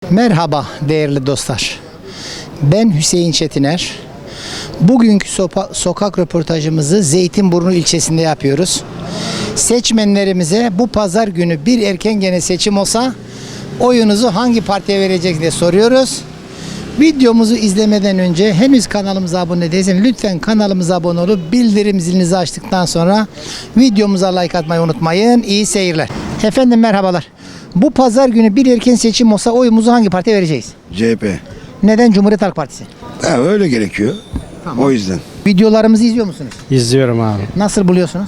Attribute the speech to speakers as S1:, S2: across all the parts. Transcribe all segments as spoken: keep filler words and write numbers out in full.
S1: Merhaba değerli dostlar. Ben Hüseyin Çetiner. Bugünkü sopa, sokak röportajımızı Zeytinburnu ilçesinde yapıyoruz. Seçmenlerimize bu pazar günü bir erken gene seçim olsa oyunuzu hangi partiye vereceksiniz diye soruyoruz. Videomuzu izlemeden önce henüz kanalımıza abone değilseniz lütfen kanalımıza abone olup bildirim zilinizi açtıktan sonra videomuza like atmayı unutmayın. İyi seyirler. Efendim merhabalar. Bu pazar günü bir erken seçim olsa oyumuzu hangi partiye vereceğiz?
S2: C H P.
S1: Neden? Cumhuriyet Halk Partisi.
S2: Ha, öyle gerekiyor.
S1: Tamam.
S2: O yüzden.
S1: Videolarımızı izliyor musunuz?
S3: İzliyorum abi.
S1: Nasıl buluyorsunuz?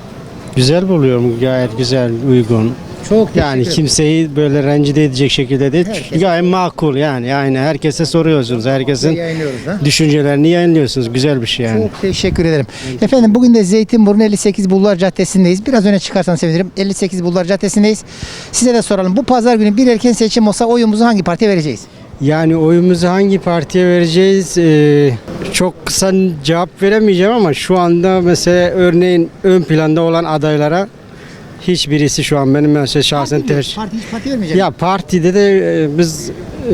S3: Güzel buluyorum. Gayet güzel, uygun.
S1: Çok
S3: Yani kimseyi böyle rencide edecek şekilde değil.
S1: Herkes-
S3: Gayet makul yani. Yani herkese soruyorsunuz. Herkesin
S1: Yayınlıyoruz ha.
S3: düşüncelerini yayınlıyorsunuz. Güzel bir şey yani.
S1: Çok teşekkür ederim. Efendim bugün de Zeytinburnu elli sekiz Bulvar Caddesi'ndeyiz. Biraz öne çıkarsanız sevinirim. elli sekiz Bulvar Caddesi'ndeyiz. Size de soralım. Bu pazar günü bir erken seçim olsa oyumuzu hangi partiye vereceğiz?
S3: Yani oyumuzu hangi partiye vereceğiz? Ee, çok kısa cevap veremeyeceğim ama şu anda mesela örneğin ön planda olan adaylara hiçbirisi şu an benim mesela şahsen tercih.
S1: Parti hiç parti vermeyeceğim.
S3: Ya partide de e, biz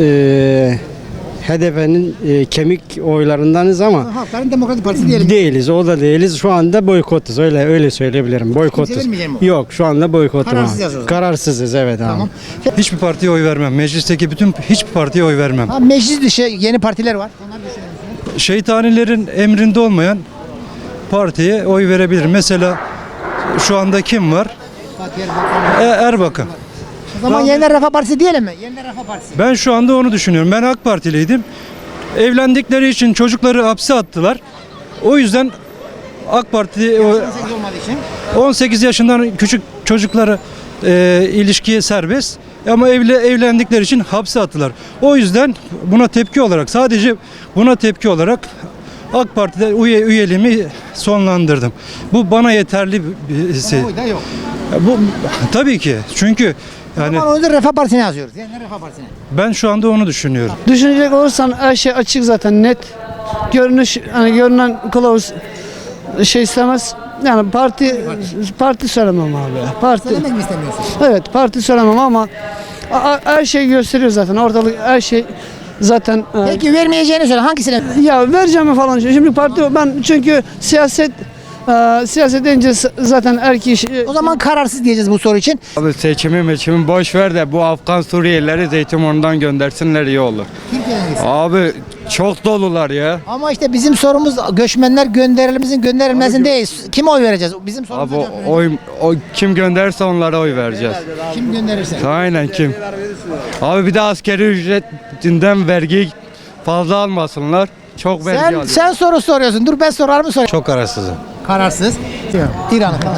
S3: e, H D P'nin e, kemik oylarındanız ama
S1: Halkların Demokratik Partisi diyelim.
S3: değiliz. O da değiliz. Şu anda boykotuz. Öyle öyle söyleyebilirim. Boykotuz.
S1: vermeyecek mi o?
S3: Yok, şu anda boykotum.
S1: Kararsız
S3: abi.
S1: yazıyoruz.
S3: Kararsızız evet abi.
S1: Tamam.
S4: Hiçbir partiye oy vermem. Meclisteki bütün hiçbir partiye oy vermem.
S1: Ha, meclis dışı yeni partiler var. Onlar düşünüyor musunuz?
S4: Şeytanilerin emrinde olmayan partiye oy verebilirim. Mesela şu anda kim var?
S1: Fatih Erbakan.
S4: E, Erbakan.
S1: O zaman Yeniden Refah Partisi diyelim mi? Yeniden Refah Partisi.
S4: Ben şu anda onu düşünüyorum. Ben AK Partiliydim. Evlendikleri için çocukları hapse attılar. O yüzden AK Parti o-
S1: on sekiz olmadığı için.
S4: on sekiz yaşından küçük çocukları e, ilişkiye serbest ama evli, evlendikleri için hapse attılar. O yüzden buna tepki olarak sadece buna tepki olarak AK Parti'de üye, üyeliğimi sonlandırdım. Bu bana yeterli bir şey.
S1: Oy da yok.
S4: Bu tabii ki çünkü yani
S1: Ama o yüzden Refah Partisi'ne yazıyoruz. Yeniden Refah Partisi'ne.
S4: ben şu anda onu düşünüyorum.
S5: Düşünecek olursan her şey açık zaten net. Görünüş hani görünen kılavuz şey istemez. Yani parti parti söylemem abi. Parti
S1: Söylemek mi istemiyorsun?
S5: evet parti söylemem ama a- a- her şey gösteriyor zaten. Ortalık her şey zaten e,
S1: Peki vermeyeceğini söyle. Hangisine?
S5: ya vereceğim falan. Şimdi parti ben çünkü siyaset e, siyaset deyince s- zaten her kişi
S1: O zaman kararsız diyeceğiz bu soru için.
S6: Abi seçimi meçimi boş ver de bu Afgan Suriyelileri Zeytinburnu'ndan göndersinler iyi olur.
S1: Türkiye'den gitsin.
S6: Abi çok dolular ya.
S1: Ama işte bizim sorumuz göçmenler gönderilimizin gönderilmesin değil. Kime oy vereceğiz? Bizim sorumuz
S6: Abi o, oy, o kim gönderirse onlara oy vereceğiz.
S1: kim gönderirse.
S6: Aynen kim. Abi bir de askeri ücretinden vergi fazla almasınlar. Çok vergi
S1: Sen,
S6: alıyor.
S1: sen soru soruyorsun. Dur ben sorar mı sorayım?
S4: Çok kararsızım.
S1: Kararsız. İran'ı falan.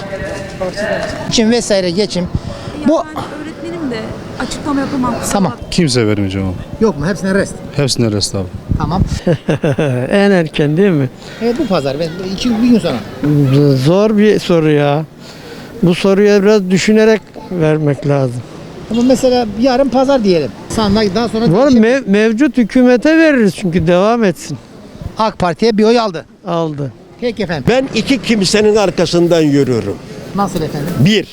S1: Geçim vesaire geçim. Bu
S7: Bu öğretmenim de açıklama yapamam.
S1: tamam.
S8: Kimse vermeyeceğim abi.
S1: Yok mu? Hepsine rest.
S8: Hepsine rest abi.
S1: Tamam.
S9: En erken değil mi?
S1: Evet bu pazar. Ben iki bir gün sonra.
S9: Zor bir soru ya. Bu soruya biraz düşünerek vermek lazım.
S1: Ama mesela yarın pazar diyelim. Sandık daha sonra
S9: Var
S1: değişir.
S9: mev- mevcut hükümete veririz çünkü devam etsin.
S1: AK Parti'ye bir oy aldı.
S9: Aldı.
S1: Peki efendim.
S10: Ben iki kimsenin arkasından yürüyorum.
S1: Nasıl efendim?
S10: Bir,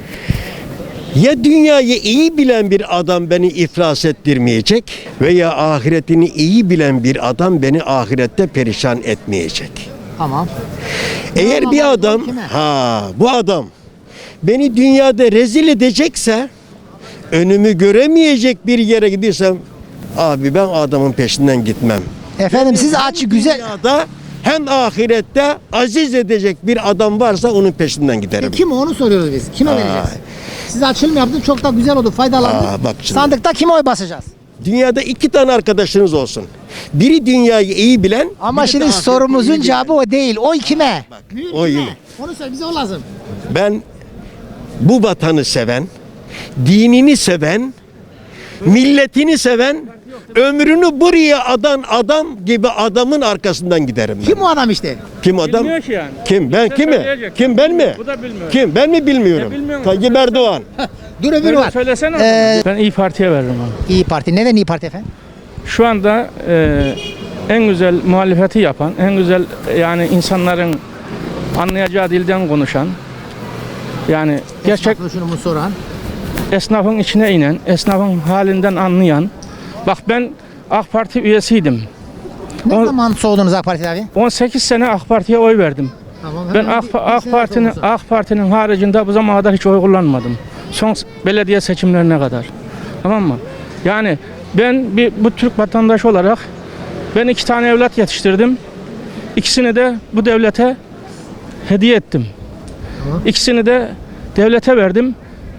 S10: ya dünyayı iyi bilen bir adam beni iflas ettirmeyecek veya ahiretini iyi bilen bir adam beni ahirette perişan etmeyecek.
S1: Tamam.
S10: Eğer
S1: Tamam,
S10: bir adam,
S1: kime?
S10: ha bu adam beni dünyada rezil edecekse, önümü göremeyecek bir yere gidiyorsam, abi ben adamın peşinden gitmem.
S1: Efendim siz aç güzel.
S10: Dünyada hem ahirette aziz edecek bir adam varsa onun peşinden giderim.
S1: E, kim onu soruyoruz biz. Kime
S10: Aa.
S1: vereceğiz? Siz açılım yaptınız çok da güzel oldu. Faydalandık.
S10: Aa, bak şimdi.
S1: Sandıkta kime oy basacağız?
S10: Dünyada iki tane arkadaşınız olsun. Biri dünyayı iyi bilen,
S1: Ama
S10: biri de
S1: şimdi
S10: ahireti
S1: sorumuzun
S10: iyi bilen.
S1: cevabı o değil. Oy kime? Mühim
S10: oy
S1: kime?
S10: kime?
S1: Onu söyle bize o lazım.
S10: Ben bu vatanı seven, dinini seven, milletini seven, ömrünü buraya adan adam gibi adamın arkasından giderim ben.
S1: Kim o adam işte?
S10: Kim adam?
S11: Bilmiyor ki yani.
S10: Kim? Ben
S11: Bize
S10: kimi?
S11: söyleyecek.
S10: Kim ben mi?
S11: Bu da bilmiyor.
S10: Kim? Ben mi bilmiyorum?
S11: Ya bilmiyorum.
S10: Tayyip Erdoğan.
S1: Dur öbürü
S11: Böyle
S1: var.
S11: söylesene.
S1: Ee,
S11: Ben İyi Parti'ye veririm abi.
S1: İyi Parti. Neden İyi Parti efendim?
S11: Şu anda e, en güzel muhalefeti yapan, en güzel yani insanların anlayacağı dilden konuşan, yani gerçek
S1: Esnaflı şunu mu soran?
S11: esnafın içine inen, esnafın halinden anlayan, Bak ben AK Parti üyesiydim.
S1: Ne
S11: O-
S1: zaman soğudunuz AK Parti'de abi?
S11: on sekiz sene AK Parti'ye oy verdim.
S1: Tamam,
S11: Ben
S1: hemen
S11: AK,
S1: bir- bir
S11: AK
S1: sene
S11: Parti'nin
S1: soğudunuz.
S11: AK Parti'nin haricinde bu zamana kadar hiç oy kullanmadım. Son s- belediye seçimlerine kadar. Tamam mı? Yani ben bir bu Türk vatandaşı olarak ben iki tane evlat yetiştirdim. İkisini de bu devlete hediye ettim. İkisini de devlete verdim.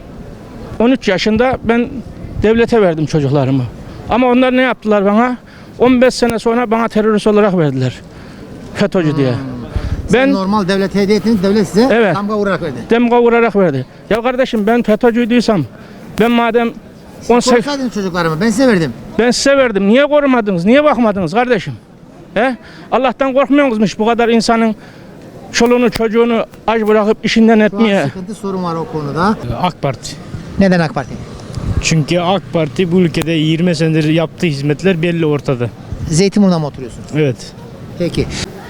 S11: on üç yaşında ben devlete verdim çocuklarımı. Ama onlar ne yaptılar bana? on beş sene sonra bana terörist olarak verdiler. FETÖ'cü diye.
S1: Ben
S11: Ben
S1: normal devlete hediye ettiniz, devlet size
S11: Evet.
S1: damga vurarak verdi.
S11: demga vurarak verdi. Ya kardeşim ben FETÖ'cüydüysem ben madem on sekiz
S1: Korusaydınız çocuklarımı, ben size verdim.
S11: ben size verdim. Niye korumadınız? Niye bakmadınız kardeşim? He? Allah'tan korkmuyor musunuz bu kadar insanın çoluğunu çocuğunu aç bırakıp işinden
S1: Şu an
S11: etmeye?
S1: sıkıntı, sorun var o konuda.
S8: AK Parti.
S1: Neden AK Parti?
S8: Çünkü AK Parti bu ülkede yirmi senedir yaptığı hizmetler belli ortada.
S1: Zeytinburnu'na mı oturuyorsun?
S8: Evet.
S1: Peki.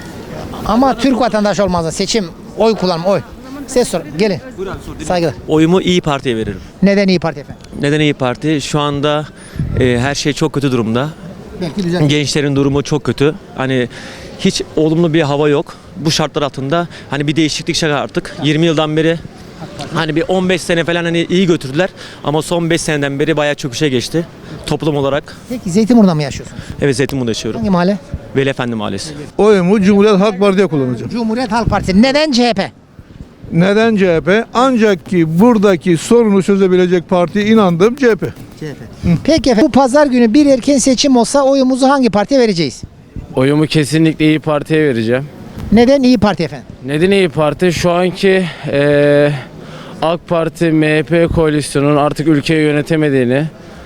S1: Ama Türk vatandaşı olmaz da seçim, oy kullanma, oy. Ses sor, gelin. Saygılar.
S2: Oyumu İyi Parti'ye veririm.
S1: Neden İyi Parti efendim?
S2: Neden İyi Parti? Şu anda e, her şey çok kötü durumda.
S1: Belki düzen.
S2: Gençlerin durumu çok kötü. Hani hiç olumlu bir hava yok. Bu şartlar altında hani bir değişiklik şart artık. yirmi yıldan beri hani bir on beş sene falan hani iyi götürdüler ama son beş seneden beri bayağı çöküşe geçti toplum olarak.
S1: Peki Zeytinburnu'na mı yaşıyorsunuz?
S2: Evet, Zeytinburnu'da yaşıyorum.
S1: Hangi mahalle?
S2: Veli Efendi Mahallesi.
S12: Oyumu Cumhuriyet Halk Parti'ye kullanacağım.
S1: Cumhuriyet Halk Partisi. Neden C H P?
S12: Neden C H P? Ancak ki buradaki sorunu çözebilecek parti inandığım C H P.
S1: C H P. Peki efendim, bu pazar günü bir erken seçim olsa oyumuzu hangi partiye vereceğiz?
S3: Oyumu kesinlikle İyi Parti'ye vereceğim.
S1: Neden İyi Parti efendim?
S3: Neden İyi Parti? Şu anki eee, AK Parti M H P koalisyonunun artık ülkeyi yönetemediğini,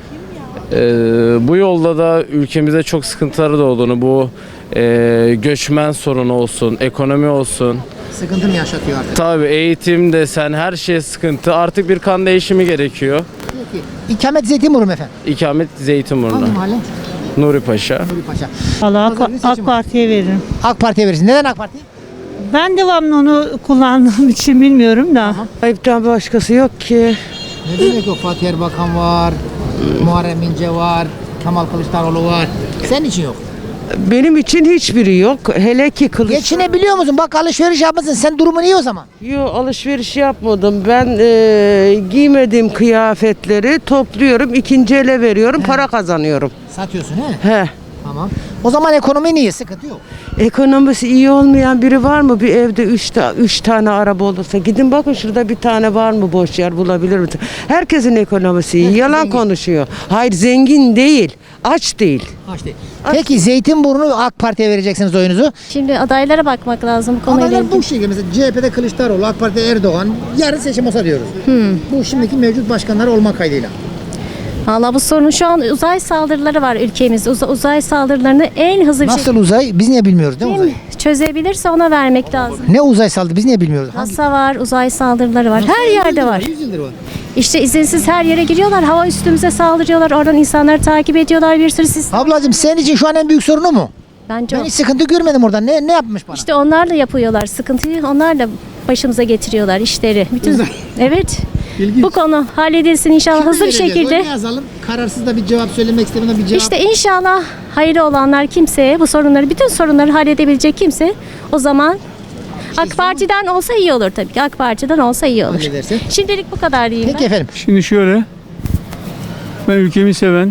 S3: eee, bu yolda da ülkemize çok sıkıntıları doğduğunu, bu eee, göçmen sorunu olsun, ekonomi olsun,
S1: Sıkıntı mı yaşatıyor artık?
S3: tabii eğitim desen her şey sıkıntı. Artık bir kan değişimi gerekiyor.
S1: Peki. İkamet Zeytinburnu mu efendim?
S3: İkamet Zeytinburnu.
S1: Hangi mahalle?
S3: Nuri Paşa.
S1: Nuri Paşa.
S13: Valla
S1: Pazar günü
S13: AK,
S1: seçim var.
S13: Parti'ye veririm.
S1: AK Parti'ye verirsin. Neden AK Parti?
S13: Ben devamlı onu kullandığım için bilmiyorum da.
S9: Ayıptan başkası yok ki.
S1: Ne demek o? Fatih Erbakan var, Muharrem İnce var, Kemal Kılıçdaroğlu var. Senin için yok.
S9: Benim için hiçbiri yok. Hele ki kılıç.
S1: Geçinebiliyor musun? Bak alışveriş yapmışsın. Sen durumun iyi o zaman.
S9: Yo, alışveriş yapmadım. Ben e, giymediğim kıyafetleri topluyorum, ikinci ele veriyorum, para kazanıyorum.
S1: Satıyorsun he?
S9: He.
S1: Tamam. O zaman ekonomin iyi, sıkıntı yok.
S9: Ekonomisi iyi olmayan biri var mı? Bir evde üç, ta, üç tane araba olursa. Gidin bakın şurada bir tane var mı boş yer bulabilir misiniz? Herkesin ekonomisi iyi.
S1: Herkes
S9: Yalan
S1: zengin.
S9: konuşuyor. Hayır zengin değil. Aç değil.
S1: Aç değil. Peki Zeytinburnu AK Parti'ye vereceksiniz oyunuzu.
S7: Şimdi adaylara bakmak lazım bu konuyla
S1: Adaylar
S7: ilgili.
S1: bu şekilde mesela C H P'de Kılıçdaroğlu, AK Parti'de Erdoğan. Yarın seçim olsa diyoruz. Bu şimdiki mevcut başkanlar olma kaydıyla.
S7: Valla bu sorun şu an uzay saldırıları var ülkemizde. Uza- uzay saldırılarını en hızlı bir
S1: Nasıl
S7: şekilde
S1: uzay? Biz niye bilmiyoruz değil mi uzay?
S7: çözebilirse ona vermek lazım.
S1: Ne uzay saldırı? Biz niye bilmiyoruz? Hangi?
S7: NASA var, uzay saldırıları var. Her yerde var.
S1: yüz yıldır var.
S7: İşte izinsiz her yere giriyorlar. Hava üstümüze saldırıyorlar. Oradan insanları takip ediyorlar. Bir sürü sistem.
S1: Ablacığım senin için şu an en büyük sorunu mu?
S7: Bence
S1: Ben
S7: o.
S1: hiç sıkıntı görmedim oradan. Ne ne yapmış bana?
S7: İşte onlar da yapıyorlar. Sıkıntıyı onlar da başımıza getiriyorlar işleri. Bütün evet.
S1: İlginç.
S7: Bu konu halledilsin inşallah
S1: Kime
S7: hızlı bir
S1: vereceğiz?
S7: şekilde.
S1: Oyunu yazalım. Kararsız da bir cevap söylemek istemeden bir cevap.
S7: İşte inşallah hayırlı olanlar kimseye bu sorunları, bütün sorunları halledebilecek kimse o zaman AK Parti'den olsa iyi olur tabii ki. AK Parti'den olsa iyi olur.
S1: Hallederse.
S7: Şimdilik bu kadar diyeyim
S1: Peki
S7: ben.
S1: efendim.
S8: Şimdi şöyle. Ben ülkemi seven,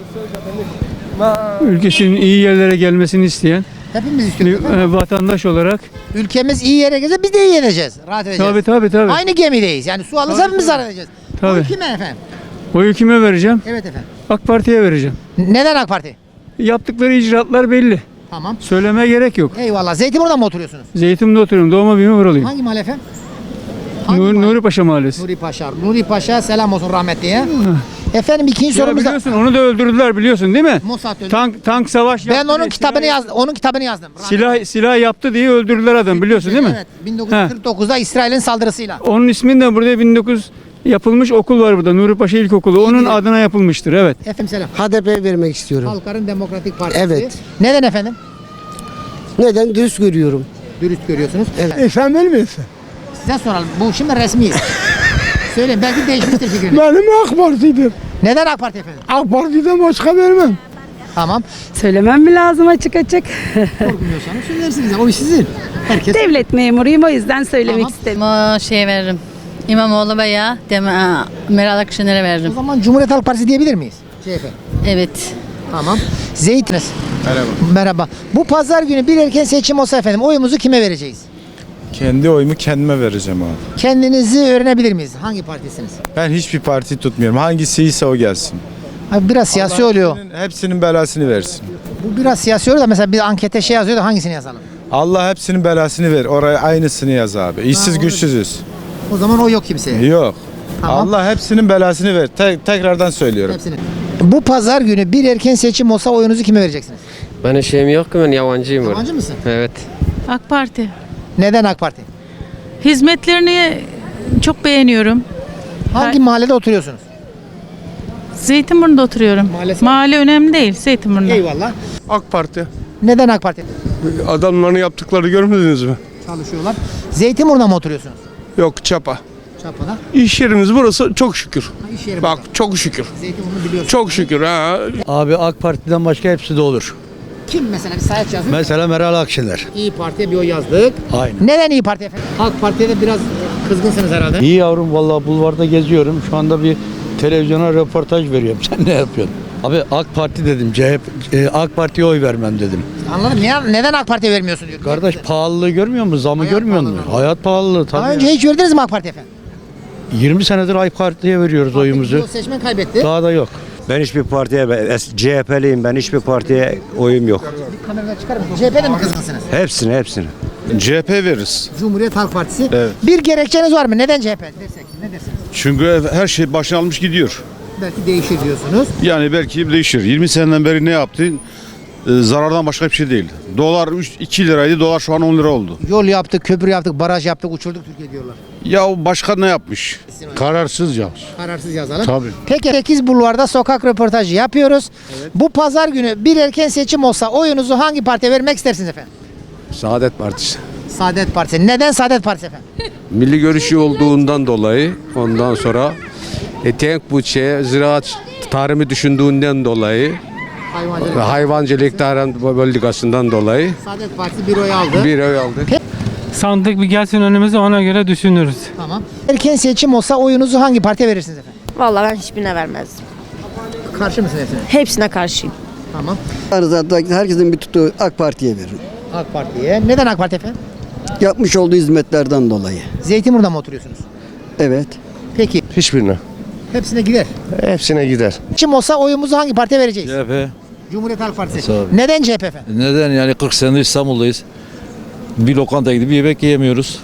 S8: ülkesinin iyi yerlere gelmesini isteyen
S1: Hepimiz istiyoruz. efendim.
S8: e, vatandaş olarak.
S1: Ülkemiz iyi yere gelse biz de iyi edeceğiz. Rahat edeceğiz.
S8: Tabii tabii tabii.
S1: Aynı gemideyiz. Yani su alırsa hepimiz zarar edeceğiz.
S8: Tabii.
S1: Bu kime efendim?
S8: Oyu kime vereceğim?
S1: Evet efendim.
S8: AK Parti'ye vereceğim.
S1: Neden AK Parti?
S8: Yaptıkları icraatlar belli.
S1: Tamam.
S8: Söylemeye gerek yok.
S1: Eyvallah. Zeytinburnu'da mı oturuyorsunuz?
S8: Zeytin'de oturuyorum. Doğma büyüme buralıyım.
S1: Hangi mahalle efendim? Hangi
S8: Nur,
S1: mahalle?
S8: Nuri Paşa Mahallesi.
S1: Nuri Paşa. Nuri Paşa selam olsun rahmetliye. Efendim ikinci
S8: Ya
S1: sorumuz da
S8: biliyorsun onu da öldürdüler biliyorsun değil mi?
S1: Mossad öldü.
S8: Tank tank savaş
S1: Ben
S8: yaptı
S1: onun
S8: diye
S1: kitabını
S8: silah-
S1: yazdım. Onun kitabını yazdım.
S8: Silah silah yaptı diye öldürdüler adam biliyorsun değil mi?
S1: Evet. bin dokuz yüz kırk dokuzda İsrail'in saldırısıyla.
S8: Onun ismini de burada bin dokuz yüz yapılmış okul var burada. Nuri Paşa İlkokulu. Onun
S1: biliyorum.
S8: adına yapılmıştır. Evet.
S1: Efendim selam.
S9: H D P'ye vermek istiyorum.
S1: Halkların Demokratik Partisi.
S9: Evet.
S1: Neden efendim?
S9: Neden? Dürüst görüyorum.
S1: Dürüst görüyorsunuz.
S12: Efendim misin?
S1: Size soralım. Bu şimdi resmiyiz. Söyleyin belki değişmiştir fikriniz.
S12: Benim AK Parti'dir.
S1: Neden AK Parti efendim?
S3: AK Parti'den başka vermem.
S1: Tamam.
S13: Söylemem mi lazım açık açık?
S1: Korkmuyorsanız söylersiniz. O iş sizin. Herkes.
S13: Devlet memuruyum o yüzden söylemek
S1: Tamam.
S13: istedim.
S14: O şey veririm. İmamoğlu veya Dem- Meral Akşener'e
S1: O
S14: veririm.
S1: zaman Cumhuriyet Halk Partisi diyebilir miyiz? C H P.
S14: Evet.
S1: Tamam. Zeytiniz. Merhaba. Merhaba. Bu pazar günü bir erken seçim olsa efendim oyumuzu kime vereceğiz?
S12: Kendi oyumu kendime vereceğim abi.
S1: Kendinizi öğrenebilir miyiz? Hangi partisiniz?
S12: Ben hiçbir parti tutmuyorum. Hangisi ise o gelsin.
S1: Abi biraz siyasi oluyor.
S12: Hepsinin, hepsinin belasını versin.
S1: Bu biraz siyasi oluyor da mesela bir ankete şey yazıyor da hangisini yazalım?
S12: Allah hepsinin belasını ver. Oraya aynısını yaz abi. İşsiz
S1: onu-
S12: güçsüzüz.
S1: O zaman o yok kimseye.
S12: Yok.
S1: Tamam.
S12: Allah hepsinin belasını ver. Te- tekrardan söylüyorum.
S1: Hepsini. Bu pazar günü bir erken seçim olsa oyunuzu kime vereceksiniz?
S6: Ben şeyim yok ki ben yabancıyım.
S1: Yabancı mısın?
S6: Evet.
S13: AK Parti.
S1: Neden AK Parti?
S13: Hizmetlerini çok beğeniyorum.
S1: Hangi mahallede oturuyorsunuz?
S13: Zeytinburnu'da oturuyorum.
S1: Maalesef.
S13: Mahalle önemli değil Zeytinburnu'da.
S1: Eyvallah.
S12: AK Parti.
S1: Neden AK Parti?
S12: Adamların yaptıklarını görmediniz mi?
S1: Çalışıyorlar. Zeytinburnu'da mı oturuyorsunuz?
S12: Yok çapa.
S1: Çapa'da.
S12: İş yerimiz burası çok şükür.
S1: Ha, iş yeri
S12: Bak
S1: burada.
S12: çok şükür.
S1: Zeytinburnu biliyorsunuz.
S12: Çok şükür ha.
S3: Abi AK Parti'den başka hepsi de olur.
S1: Kim mesela bir sayaç yazıyor?
S3: Mesela Meral Akşener.
S1: İyi Parti'ye bir oy yazdık.
S3: Aynen.
S1: Neden İyi Parti efendim? AK Parti'ye de biraz kızgınsınız herhalde.
S3: İyi yavrum vallahi bulvarda geziyorum. Şu anda bir televizyona röportaj veriyorum. Sen ne yapıyorsun? Abi AK Parti dedim. C H P, e, AK Parti'ye oy vermem dedim.
S1: Anladım. Niye, neden AK Parti'ye vermiyorsun diyor.
S3: Kardeş pahalılığı görmüyor musun? Zamı
S1: Hayat
S3: görmüyor musun?
S1: pahalılığı.
S3: Hayat pahalılığı tabii.
S1: Daha
S3: ya.
S1: önce hiç verdiniz mi AK Parti efendim?
S3: yirmi senedir AK Parti'ye veriyoruz oyumuzu.
S1: O seçmen kaybetti.
S3: Daha da yok.
S6: Ben hiçbir partiye, C H P'liyim ben, hiçbir partiye oyum yok.
S1: Bir kameradan çıkar mısın? C H P'de mi kızgınsınız?
S6: Hepsini hepsini.
S12: C H P veririz.
S1: Cumhuriyet Halk Partisi.
S12: Evet.
S1: Bir gerekçeniz var mı? Neden C H P dersek? Ne dersiniz?
S12: Çünkü her şey başına almış gidiyor.
S1: Belki değişir diyorsunuz.
S12: Yani belki değişir. yirmi seneden beri ne yaptı? Ee, zarardan başka bir şey değil. Dolar iki liraydı, dolar şu an on lira oldu.
S1: Yol yaptık, köprü yaptık, baraj yaptık, uçurduk Türkiye diyorlar.
S12: Ya başka ne yapmış? Kararsız ya.
S1: Kararsız yazalım.
S12: Tabii.
S1: Peki sekiz Bulvar'da sokak röportajı yapıyoruz. Bu pazar günü bir erken seçim olsa oyunuzu hangi partiye vermek istersiniz efendim?
S6: Saadet Partisi.
S1: Saadet Partisi. Neden Saadet Partisi efendim?
S6: Milli görüşü olduğundan dolayı, ondan sonra e, tek bütçe, ziraat tarımı düşündüğünden dolayı
S1: Hayvancılık.
S6: ve hayvancılık tarım politikasından dolayı
S1: Saadet Partisi bir oy aldı.
S6: bir oy aldı.
S11: Sandık bir gelsin önümüze ona göre düşünürüz.
S1: Tamam. Erken seçim olsa oyunuzu hangi partiye verirsiniz efendim?
S14: Vallahi ben hiçbirine vermezdim.
S1: Karşı mısın hepsine?
S14: Hepsine karşıyım.
S1: Tamam.
S3: Herkesin bir tuttuğu AK Parti'ye veririm.
S1: AK Parti'ye. Neden AK Parti efendim?
S3: Yapmış olduğu hizmetlerden dolayı.
S1: Zeytinburnu'da mı oturuyorsunuz?
S3: Evet.
S1: Peki.
S6: Hiçbirine.
S1: Hepsine gider.
S6: Hepsine gider.
S1: Seçim olsa oyumuzu hangi partiye vereceğiz?
S4: C H P.
S1: Cumhuriyet Halk Partisi.
S4: Tabii.
S1: Neden C H P efendim?
S4: Neden yani kırk senedir İstanbul'dayız. Bir lokantaya gidip bir yemek yiyemiyoruz.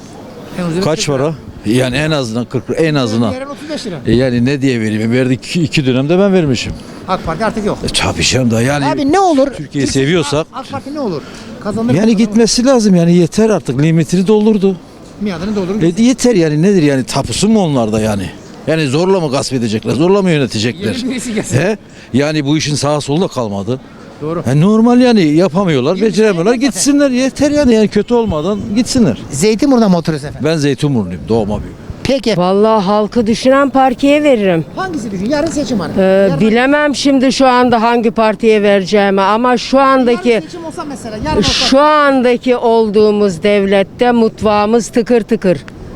S4: Kaç para? Yani en azından kırk en azından.
S1: Yarın otuz beş lira.
S4: E yani ne diye vereyim? Verdik iki, iki dönemde ben vermişim.
S1: AK Parti artık yok.
S4: E çarpışalım da yani
S1: Abi ne olur?
S4: Türkiye'yi seviyorsak
S1: AK Parti ne olur? Kazanır.
S4: yani gitmesi lazım yani yeter artık limitini doldurdu.
S1: Miadını doldurur.
S4: E yeter yani nedir yani tapusu mu onlarda yani? Yani zorla mı gasp edecekler? Zorla mı yönetecekler?
S1: Yeni birisi gelsin.
S4: He? Yani bu işin sağa solda kalmadı.
S1: Doğru.
S4: E normal yani yapamıyorlar, beceremiyorlar. Gitsinler yeter yani yani kötü olmadan gitsinler.
S1: Zeytinburnu'da mı oturuyorsun efendim?
S4: Ben Zeytinburnu'yum, doğma büyüme.
S1: Peki.
S9: Vallahi halkı düşünen partiye veririm.
S1: Hangisi düşün? Yarın seçim var.
S9: Ee,
S1: Yarın-
S9: bilemem şimdi şu anda hangi partiye vereceğimi ama şu andaki
S1: Yarın seçim olsa mesela. Yarın olsa.
S9: şu andaki olduğumuz devlette mutfağımız tıkır tıkır.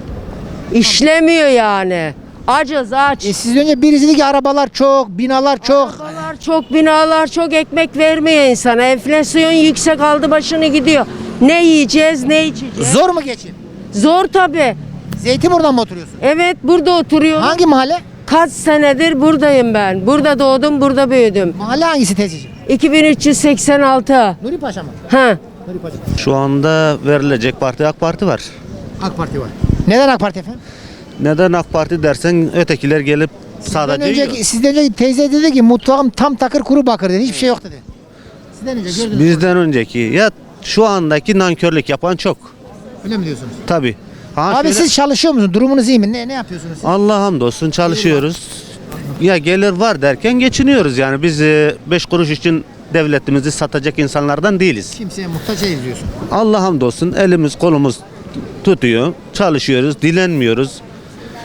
S9: İşlemiyor yani. Acız aç.
S1: E siz önce birisi dedi ki arabalar çok, binalar çok.
S9: Arabalar çok, binalar çok, ekmek vermiyor insana. Enflasyon yüksek aldı başını gidiyor. Ne yiyeceğiz, ne içeceğiz?
S1: Zor mu geçin?
S9: Zor tabii.
S1: Zeytinburnu'da mı oturuyorsun?
S9: Evet, burada oturuyorum.
S1: Hangi mahalle?
S9: Kaç senedir buradayım ben. Burada doğdum, burada büyüdüm.
S1: Mahalle hangisi teyzeciğim?
S9: iki bin üç yüz seksen altı.
S1: Nuri Paşa mı?
S9: Ha.
S1: Nuri Paşa.
S6: Şu anda verilecek parti AK Parti var.
S1: AK Parti var. Neden AK Parti efendim?
S6: Neden AK Parti dersen ötekiler gelip
S1: Sizden
S6: sadece
S1: önceki, sizden önceki teyze dedi ki mutfağım tam takır kuru bakır dedi. Hiçbir şey yok dedi. Sizden önce gördünüz mü?
S6: bizden önceki ya şu andaki nankörlük yapan çok.
S1: Öyle mi diyorsunuz?
S6: Tabii. Ha
S1: Abi
S6: şöyle-
S1: siz çalışıyor musunuz? Durumunuz iyi mi? Ne ne yapıyorsunuz siz?
S6: Allah hamdolsun çalışıyoruz. Ya gelir var derken geçiniyoruz yani biz e, beş kuruş için devletimizi satacak insanlardan değiliz.
S1: Kimseye muhtaç değiliz diyorsun.
S6: Allah hamdolsun elimiz kolumuz tutuyor, çalışıyoruz, dilenmiyoruz.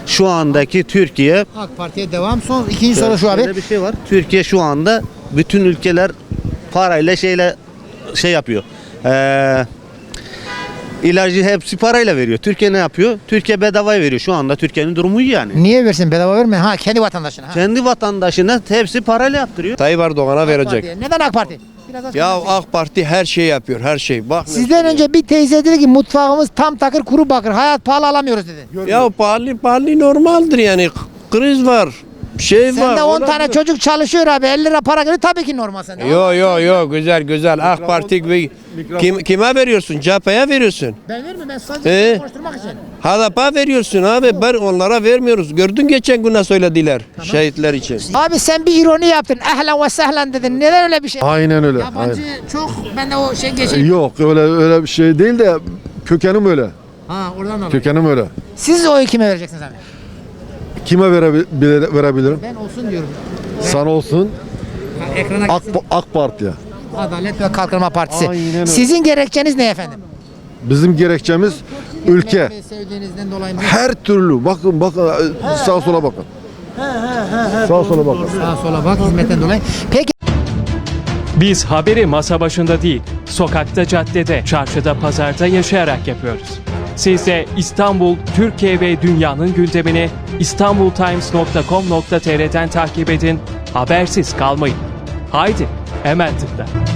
S6: şu andaki Türkiye,
S1: AK Parti'ye devam. Son ikinci soru şu abi.
S6: şöyle bir şey var. Türkiye şu anda bütün ülkeler parayla şeyle şey yapıyor. Ee, ilacı hepsi parayla veriyor. Türkiye ne yapıyor? Türkiye bedavaya veriyor. Şu anda Türkiye'nin durumu iyi yani.
S1: Niye versin? Bedava verme. Ha kendi vatandaşına. Ha.
S6: Kendi vatandaşına hepsi parayla yaptırıyor.
S15: Tayyip Erdoğan'a
S1: AK
S15: verecek.
S1: Parti'ye. Neden AK Parti? Biraz açıklar
S15: Ya
S1: mısın?
S15: AK Parti her şeyi yapıyor, her şey. Bak
S1: Sizden önce bir teyze dedi ki mutfağımız tam takır kuru bakır. Hayat pahalı alamıyoruz dedi.
S15: ya pahalı pahalı normaldir yani. Kriz var. Şey var.
S1: Sende on tane
S15: olabilir.
S1: çocuk çalışıyor abi. elli lira para geliyor tabii ki normal sende.
S15: Yo yo yo güzel güzel. AK Parti gibi kim, kime veriyorsun? C H P'ye veriyorsun.
S1: Ben vermiyorum ben sadece
S15: Ee?
S1: konuşturmak için.
S15: H D P'ye veriyorsun abi. Ben onlara vermiyoruz. Gördün geçen gün ne söylediler şehitler için.
S1: Abi sen bir ironi yaptın. Ehlen ve sehlen dedin. Neden öyle bir şey?
S12: Aynen öyle.
S1: Yabancı çok ben de o şey geçeyim.
S12: Yok öyle öyle bir şey değil de kökenim öyle.
S1: Ha oradan dolayı.
S12: Kökenim öyle.
S1: Siz oyu kime vereceksiniz abi?
S12: Kime verebi- verebilirim?
S1: Ben olsun diyorum.
S12: Sana olsun.
S1: Ekrana
S12: AK,
S1: gitsin.
S12: AK Parti'ye.
S1: Adalet ve Kalkınma Partisi.
S12: Aynen öyle.
S1: Sizin gerekçeniz ne efendim?
S12: Bizim gerekçemiz ülke.
S1: Ekmeği sevdiğinizden dolayı mı?
S12: Her türlü bakın bakın sağa sola bakın. Sağa sola bakın.
S1: Sağa sola bak hizmetten dolayı. Peki
S16: Biz haberi masa başında değil, sokakta, caddede, çarşıda, pazarda yaşayarak yapıyoruz. Siz de İstanbul, Türkiye ve dünyanın gündemini istanbultimes nokta com nokta tr'den takip edin, habersiz kalmayın. Haydi, hemen tıkla.